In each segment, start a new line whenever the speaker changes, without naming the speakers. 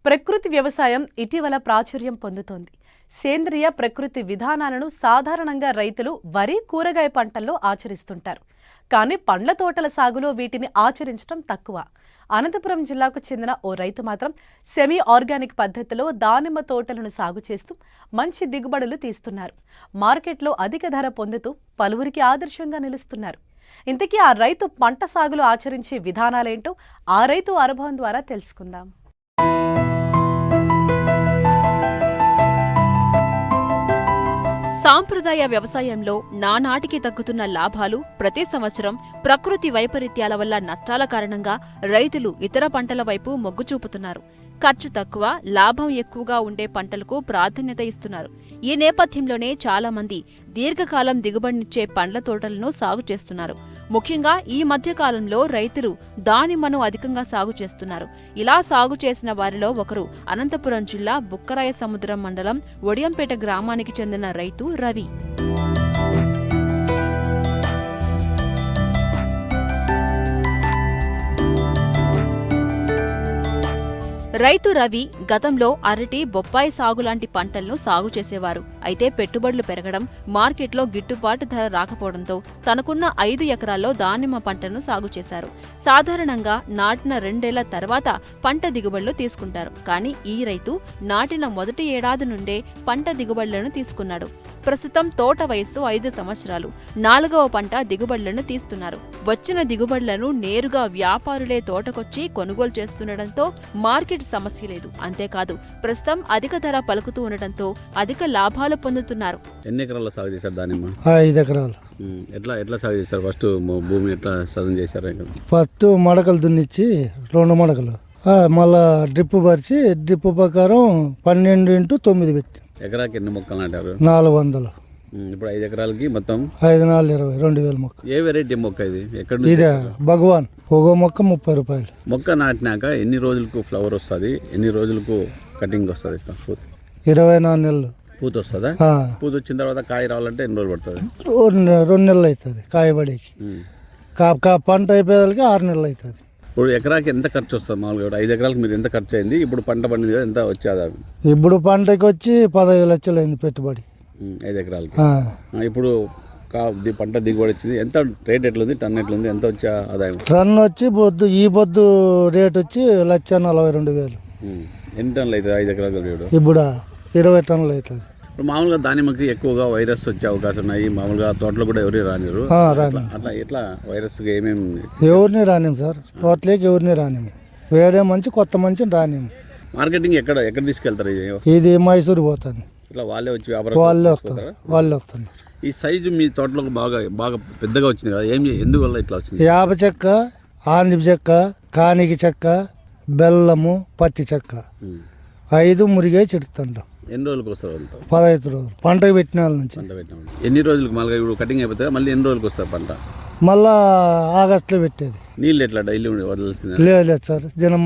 ప్రకృతి వ్యవసాయం ఇటీవల ప్రాచుర్యం పొందుతోంది. సేంద్రియ ప్రకృతి విధానాలను సాధారణంగా రైతులు వరి, కూరగాయ పంటల్లో ఆచరిస్తుంటారు. కానీ పండ్ల తోటల సాగులో వీటిని ఆచరించడం తక్కువ. అనంతపురం జిల్లాకు చెందిన ఓ రైతు మాత్రం సెమీ ఆర్గానిక్ పద్ధతిలో దానిమ్మ తోటలను సాగు చేస్తూ మంచి దిగుబడులు తీస్తున్నారు. మార్కెట్లో అధిక ధర పొందుతూ పలువురికి ఆదర్శంగా నిలుస్తున్నారు. ఇంతకీ ఆ రైతు పంట సాగులో ఆచరించే విధానాలేంటో ఆ రైతు అనుభవం ద్వారా తెలుసుకుందాం.
సాంప్రదాయ వ్యవసాయంలో నానాటికి తగ్గుతున్న లాభాలు, ప్రతి సంవత్సరం ప్రకృతి వైపరీత్యాల వల్ల నష్టాల కారణంగా రైతులు ఇతర పంటల వైపు మొగ్గు చూపుతున్నారు. ఖర్చు తక్కువ, లాభం ఎక్కువగా ఉండే పంటలకు ప్రాధాన్యత ఇస్తున్నారు. ఈ నేపథ్యంలోనే చాలా మంది దీర్ఘకాలం దిగుబడినిచ్చే పండ్ల తోటలను సాగు చేస్తున్నారు. ముఖ్యంగా ఈ మధ్య కాలంలో రైతులు దానిమ్మను అధికంగా సాగు చేస్తున్నారు. ఇలా సాగు చేసిన వారిలో ఒకరు అనంతపురం జిల్లా బుక్కరాయ సముద్రం మండలం ఒడియంపేట గ్రామానికి చెందిన రైతు రవి. రైతు రవి గతంలో అరటి, బొప్పాయి సాగు లాంటి పంటలను సాగు చేసేవారు. అయితే పెట్టుబడులు పెరగడం, మార్కెట్లో గిట్టుబాటు ధర రాకపోవడంతో తనకున్న 5 ఎకరాల్లో దానిమ్మ పంటను సాగు చేశారు. సాధారణంగా నాటిన 2 ఏళ్ల తర్వాత పంట దిగుబడులు తీసుకుంటారు. కానీ ఈ రైతు నాటిన మొదటి ఏడాది నుండే పంట దిగుబడులను తీసుకున్నాడు. ప్రస్తుతం తోట వయస్సు 5 సంవత్సరాలు. 4వ పంట దిగుబడులను తీస్తున్నారు. వచ్చిన దిగుబడులను నేరుగా వ్యాపారులే తోటకొచ్చి కొనుగోలు చేస్తుండటంతో మార్కెట్ సమస్య లేదు. అంతేకాదు ప్రస్తుతం అధిక ధర పలుకుతూ ఉండటంతో అధిక లాభాలు పొందుతున్నారు.
ఎన్ని ఎకరాల్లో సాగు చేశారు దానిమ్మ?
5 ఎకరాలు.
ఎట్లా సాగు చేశారు? ఫస్ట్ భూమి ఎట్లా సాగు చేశారు?
ఫస్ట్ మడకలు దున్నిచ్చి 2 మడకలు, మళ్ళా డ్రిప్ పరిచి డ్రిప్ ప్రకారం 12x9 పెట్టి
ఎకరాకి ఎన్ని మొక్కలు నాటారు?
400.
ఇప్పుడు 5 ఎకరాలకి మొత్తం
5, 4, 20, 2000 మొక్క.
ఏ వెరైటీ మొక్క ఇది? ఎక్కడ?
ఇదే భగవాన్. ఒక మొక్క 30 రూపాయలు.
మొక్క నాటినాక ఎన్ని రోజులకు ఫ్లవర్ వస్తుంది? ఎన్ని రోజులకు కటింగ్ వస్తుంది?
24 నెలలు
పూత వస్తుందా? పూత వచ్చిన తర్వాత కాయ రావాలంటే ఎన్ని రోజులు పడుతుంది?
2 నెలలు అవుతుంది కాయబడికి. పంట అయిపోయేదానికి 6 నెలలు అవుతుంది.
ఇప్పుడు ఎకరాకి ఎంత ఖర్చు వస్తుంది మామూలుగా? 5 ఎకరాలకు మీరు ఎంత ఖర్చు అయింది? ఇప్పుడు పంట పండింది ఎంత వచ్చేది?
ఇప్పుడు పంటకి వచ్చి 15 లక్షలు అయింది పెట్టుబడి 5
ఎకరాలకి. ఇప్పుడు పంట దిగుబడి వచ్చింది. ఎంత రేట్ ఎట్లుంది? టన్ ఎట్లుంది? ఎంత వచ్చే ఆదాయం?
టన్ వచ్చి ఈ పొద్దు రేట్ వచ్చి 1,42,000.
ఎన్ని టన్నులు అవుతుంది 5 ఎకరాలు?
ఇప్పుడు 20 టన్నులు అవుతుంది.
ఇప్పుడు మామూలుగా దానిమ్మకి ఎక్కువగా వైరస్ వచ్చే అవకాశం ఉన్నాయి. మామూలుగా తోటలో కూడా ఎవరు రానిరు. అట్లా ఎట్లా వైరస్ ఏమేమి?
ఎవరిని రానిము సార్, తోటలోకి ఎవరిని రానిము. వేరే మంచి కొత్త మంచిని రానిము.
మార్కెటింగ్ ఎక్కడ తీసుకెళ్తారు?
ఇది మైసూరు పోతుంది.
ఇట్లా వాళ్ళే వచ్చి
వాళ్ళే వస్తారు.
ఈ సైజు మీ తోటలో బాగా పెద్దగా వచ్చింది కదా, ఎందువల్ల ఇట్లా వచ్చింది?
యాప చెక్క, ఆందిప చెక్క, కానికి చెక్క, బెల్లము, పత్తి చెక్క 5 మురిగే చెడుతుంటాం.
ఎన్ని రోజులకు వస్తారు?
15 రోజులు పంటకు పెట్టిన వాళ్ళ నుంచి.
ఎన్ని రోజులకు మళ్ళీ ఇప్పుడు కటింగ్ అయిపోతుంది? మళ్ళీ ఎన్ని రోజులకు వస్తారు పంట?
మళ్ళా ఆగస్టులో పెట్టేది.
నీళ్ళు ఎట్లా డైలీ వదలాల్సిందే?
లేదు సార్, దినం.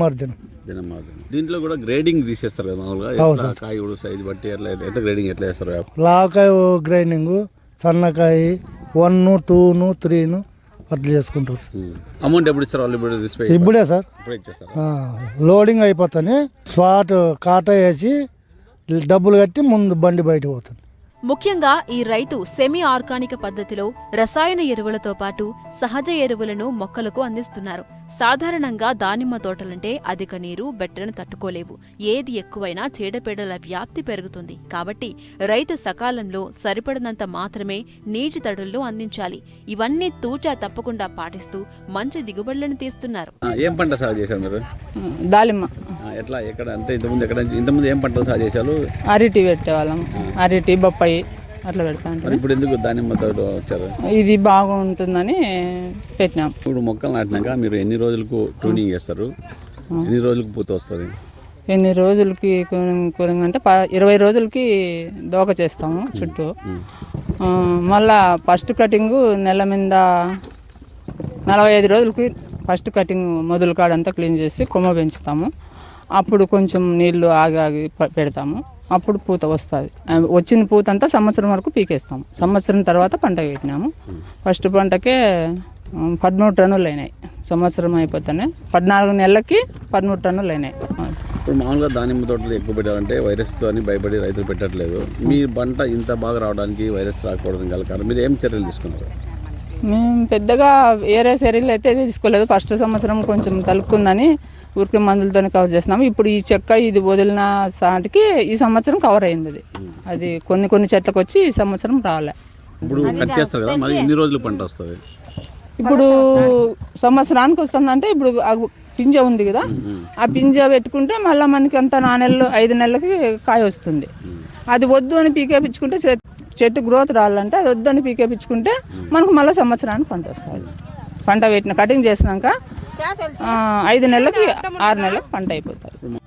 దీంట్లో కూడా గ్రేడింగ్ తీసేస్తారు కదా మామూలుగా? కాయ కూడా సైజు బట్టి ఎట్లా గ్రేడింగ్ ఎట్లా చేస్తారు?
లావకాయ గ్రైండింగ్, సన్నకాయ 1, 2, 3 అట్లా చేసుకుంటారు.
అమౌంట్ ఎప్పుడు ఇస్తారు వాళ్ళు?
ఇప్పుడే సార్,
ఇప్పుడే ఇచ్చేస్తారు.
లోడింగ్ అయిపోతానే స్పాట్ కాటా వేసి డబ్బులు కట్టి ముందు బండి బయటకు పోతుంది.
ముఖ్యంగా ఈ రైతు సెమీ ఆర్గానిక్ పద్ధతిలో రసాయన ఎరువులతో పాటు సహజ ఎరువులను మొక్కలకు అందిస్తున్నారు. సాధారణంగా దానిమ్మ తోటలంటే అధిక నీరు, బెట్టను తట్టుకోలేవు. ఏది ఎక్కువైనా చీడపీడల వ్యాప్తి పెరుగుతుంది. కాబట్టి రైతు సకాలంలో సరిపడినంత మాత్రమే నీటి తడులను అందించాలి. ఇవన్నీ తూచా తప్పకుండా పాటిస్తూ మంచి దిగుబడులను తీస్తున్నారు.
ఏం పంట సాగు చేశారు మీరు?
దానిమ్మ.
ఎట్లా ఎక్కడ అంటే ఇంతకుముందు ఏం పంటలు సాగు చేశారు?
అరటి పెట్టేవాళ్ళం, అరటి, బొప్పాయి అట్లా పెడతాను.
ఇప్పుడు ఎందుకు దానిమ్మ తోట వచ్చారు?
ఇది బాగుంటుందని పెట్టినాం.
ఇప్పుడు మొక్కలు నాటినాక మీరు ఎన్ని రోజులకు ట్యూనింగ్ చేస్తారు? ఎన్ని రోజులకు పూత వస్తుంది?
ఎన్ని రోజులకి కూలింగ్ అంటే 20 రోజులకి దోక చేస్తాము చుట్టూ. మళ్ళా ఫస్ట్ కటింగ్ నెల మీద 45 రోజులకి ఫస్ట్ కటింగ్ మొదలు కాడంతా క్లీన్ చేసి కొమ్మ పెంచుతాము. అప్పుడు కొంచెం నీళ్లు ఆగి పెడతాము. అప్పుడు పూత వస్తుంది. వచ్చిన పూత అంతా సంవత్సరం వరకు పీకేస్తాము. సంవత్సరం తర్వాత పంట పెట్టినాము. ఫస్ట్ పంటకే 13 టన్నులు అయినాయి. సంవత్సరం అయిపోతానే 14 నెలలకి 13 టన్నులు అయినాయి.
ఇప్పుడు మామూలుగా దానిమ్మ తోటలు ఎక్కువ పెట్టాలంటే వైరస్తో అని భయపడి రైతులు పెట్టట్లేదు. మీ పంట ఇంత బాగా రావడానికి వైరస్ రాకపోవడం గల కారణం మీరు ఏం చర్యలు తీసుకున్నారు?
మేము పెద్దగా వేరే చర్యలు అయితే తీసుకోలేదు. ఫస్ట్ సంవత్సరం కొంచెం తలుక్కుందని ఊరికి మందులతోనే కవర్ చేస్తున్నాము. ఇప్పుడు ఈ చెక్క ఇది వదిలిన సాటికి ఈ సంవత్సరం కవర్ అయింది. అది కొన్ని చెట్లకు వచ్చి ఈ సంవత్సరం రాలే.
ఇప్పుడు కట్ చేస్తారు కదా, మరి ఎన్ని రోజులు పంట వస్తుంది?
ఇప్పుడు సంవత్సరానికి వస్తుందంటే ఇప్పుడు పింజ ఉంది కదా, ఆ పింజ పెట్టుకుంటే మళ్ళీ మనకి అంత 4 నెలలు 5 నెలలకి కాయ వస్తుంది. అది వద్దు అని పీకేపించుకుంటే చెట్టు గ్రోత్ రావాలంటే అది వద్దు అని పీకేపించుకుంటే మనకు మళ్ళీ సంవత్సరానికి పంట వస్తుంది. పంట పెట్టిన కటింగ్ చేసినాక 5 నెలలకి 6 నెలలకు పంట అయిపోతుంది.